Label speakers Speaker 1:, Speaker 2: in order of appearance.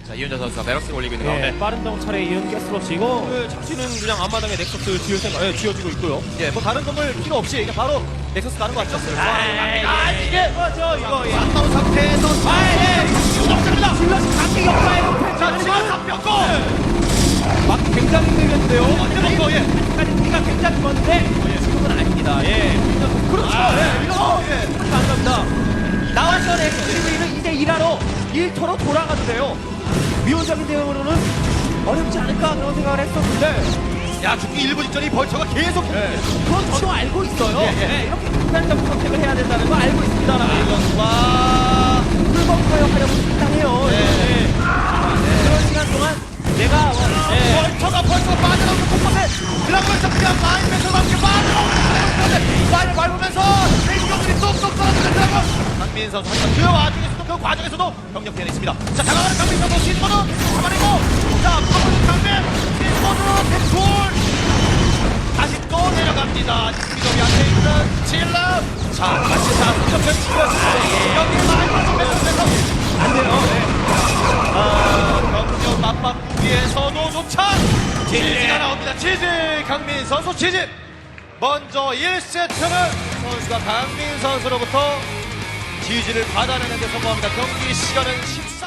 Speaker 1: 자, 이윤재 선수가 베럭스 올리고 있는 가운데.
Speaker 2: 빠른 정찰에 이은 가스로스 이거 자신은 그냥 앞마당에 넥서스 지을 생각, 지어지고 있고요.
Speaker 3: 예, 뭐 다른 건물 필요 없이 그냥 바로 넥서스 가는 것 같죠?
Speaker 2: 이게 뭐죠 이거?
Speaker 3: 안 나온 상태에서 없습니다.
Speaker 2: 질럿이 강기 역사에
Speaker 3: 자, 지금 다 뼈고
Speaker 2: 막 굉장히 힘들겠는데요.
Speaker 3: 뼈고 예.
Speaker 2: 아직까지 우리가 굉장히 먼데 지금은 아닙니다. 그렇죠. 이거 안 갑니다. 나와서 넥서스는 이제 일하러 일터로 돌아가도 돼요. 미온적인 대응으로는 어렵지 않을까 그런 생각을 했었는데
Speaker 3: 야, 죽기 1분 직전이 벌처가 계속
Speaker 2: 그건 저도 알고 있어요.
Speaker 3: 예.
Speaker 2: 이렇게 극단적 선택을 해야 된다는 거 알고 있습니다만
Speaker 3: 와,
Speaker 2: 풀벙커에 하려고 상당해요. 그런 시간 동안 내가
Speaker 3: 벌처가 빠져나오는 곳곳에 그러면서 그냥 마인면서 함께 빠져나오는 마인을 밟으면서 생존들이 쏙쏙 떨어지는 드라곤 강민 선수 하지만 그 와중에서도 그 과정에서도 병력 피해가 있습니다. 자, 다가가는 강민 선수 시즈모드 잡아내고 자, 파워는 강민 시즈모드 팩돌 다시 또 내려갑니다. 스피드업이 앞에 있는 질러 자, 다시 자, 공격을 치고 여기 마인 선수에서 안 돼요. 경력 맞바꾸기 위해서도 조차 지지가 나옵니다. 지지 강민 선수 지지 먼저 1세트는 선수가 강민 선수로부터 지지를 받아내는 데 성공합니다. 경기 시간은 14